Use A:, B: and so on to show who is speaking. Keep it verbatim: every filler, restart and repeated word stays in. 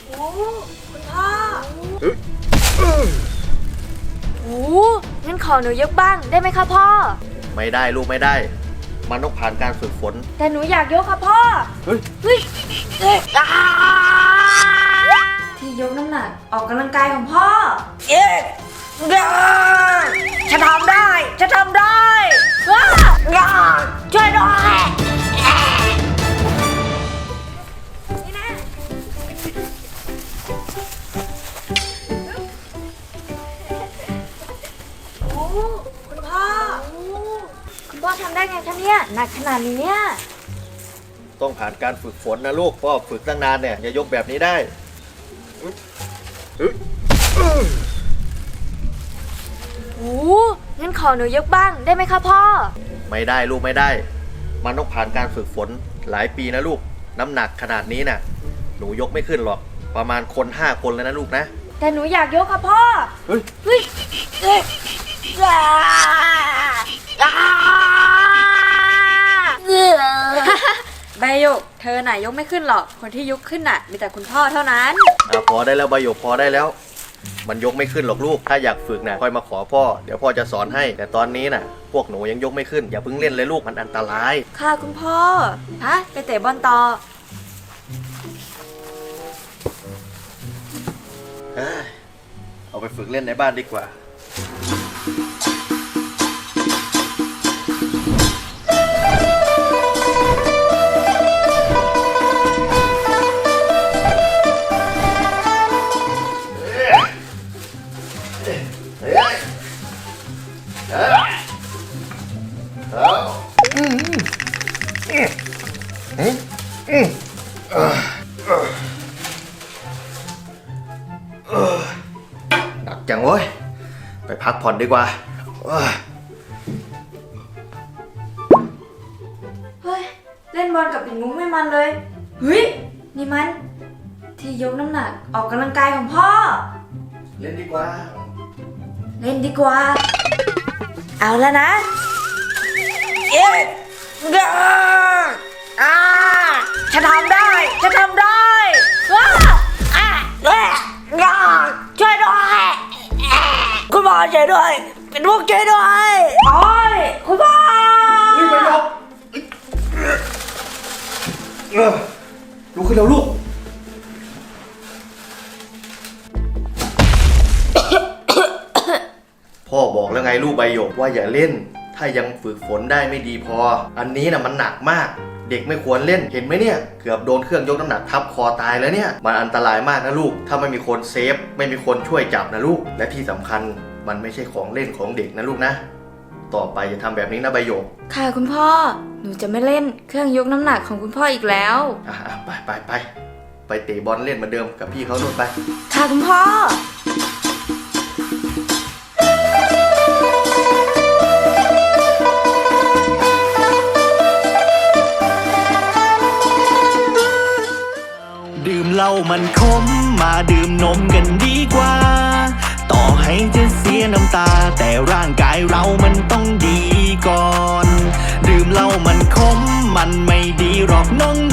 A: โอ้คุณพ่อโอ้งั้นขอหนูยกบ้างได้ไหมคะพ่อ
B: ไม่ได้ลูกไม่ได้มันต้องผ่านการฝึกฝน
A: แต่หนูอยากยกค่ะพ่อ
B: เฮ้ย
A: เฮ้ยที่ยกน้ำหนักออกกำลังกายของพ่อเอ๊ะฉันทำได้ฉันทำได้ช่วยด้วยนี่นะโอ้คุณพ่อคุณพ่อทำได้ไงคะเนี่ยหนักขนาดนี้เนี่ย
B: ต้องผ่านการฝึกฝนนะลูกพ่อฝึกตั้งนานเนี่ยอย่ายกแบบนี้ได้
A: โอ้งั้นขอหนูยกบ้างได้ไหมคะพ่อ
B: ไม่ได้ลูกไม่ได้มันต้องผ่านการฝึกฝนหลายปีนะลูกน้ำหนักขนาดนี้น่ะหนูยกไม่ขึ้นหรอกประมาณคนห้าคนเลยนะลูกนะ
A: แต่หนูอยากยกค่ะพ่อ
B: เฮ้ย
A: เฮ้ยเฮ้ยใบหยกเธอน่ะยกไม่ขึ้นหรอกคนที่ยกขึ้นน่ะมีแต่คุณพ่อเท่านั้น
B: อ่ะพอได้แล้วใบหยกพอได้แล้วมันยกไม่ขึ้นหรอกลูกถ้าอยากฝึกน่ะค่อยมาขอพ่อเดี๋ยวพ่อจะสอนให้แต่ตอนนี้น่ะพวกหนูยังยกไม่ขึ้นอย่าเพิ่งเล่นเลยลูกมันอันตราย
A: ค่ะคุณพ่อฮะไปเตะบอลต่อ
B: เอาไปฝึกเล่นในบ้านดีกว่าหนักจังเว้ยไปพักผ่อนดีกว่า
A: เฮ้ยเล่นบอลกับปิ่นมุ้งไม่มันเลยเฮ้ยนี่มันที่ยกน้ำหนักออกกำลังกายของพ่อ
B: เล่นดีกว่า
A: เล่นดีกว่าเอาแล้วนะเอ๊ะอ่าฉันทำได้ฉันทำได้ว้าอ่าเอ๊ะช่วยด้วยคุณพ่อช่วยด้วยเป็นพวกช่วยด้วยโอ้ยคุณพ่อ
B: รีบไปยกลุกขึ้นแล้วลูกพ่อบอกแล้วไงลูกใบหยกว่าอย่าเล่นถ้ายังฝึกฝนได้ไม่ดีพออันนี้นะมันหนักมากเด็กไม่ควรเล่นเห็นไหมเนี่ยเกือบโดนเครื่องยกน้ำหนักทับคอตายแล้วเนี่ยมันอันตรายมากนะลูกถ้าไม่มีคนเซฟไม่มีคนช่วยจับนะลูกและที่สำคัญมันไม่ใช่ของเล่นของเด็กนะลูกนะต่อไปอย่าทำแบบนี้นะใบหยก
A: ค่ะคุณพ่อหนูจะไม่เล่นเครื่องยกน้ำหนักของคุณพ่ออีกแล้ว
B: อ่ะไปไปไปไปเตะบอลเล่นเหมือนเดิมกับพี่เขาโน่นไป
A: ค่ะคุณพ่อ
C: ดื่มเหล้ามันขมมาดื่มนมกันดีกว่าต่อให้จะเสียน้ำตาแต่ร่างกายเรามันต้องดีก่อนดื่มเหล้ามันขมมันไม่ดีหรอกน้อง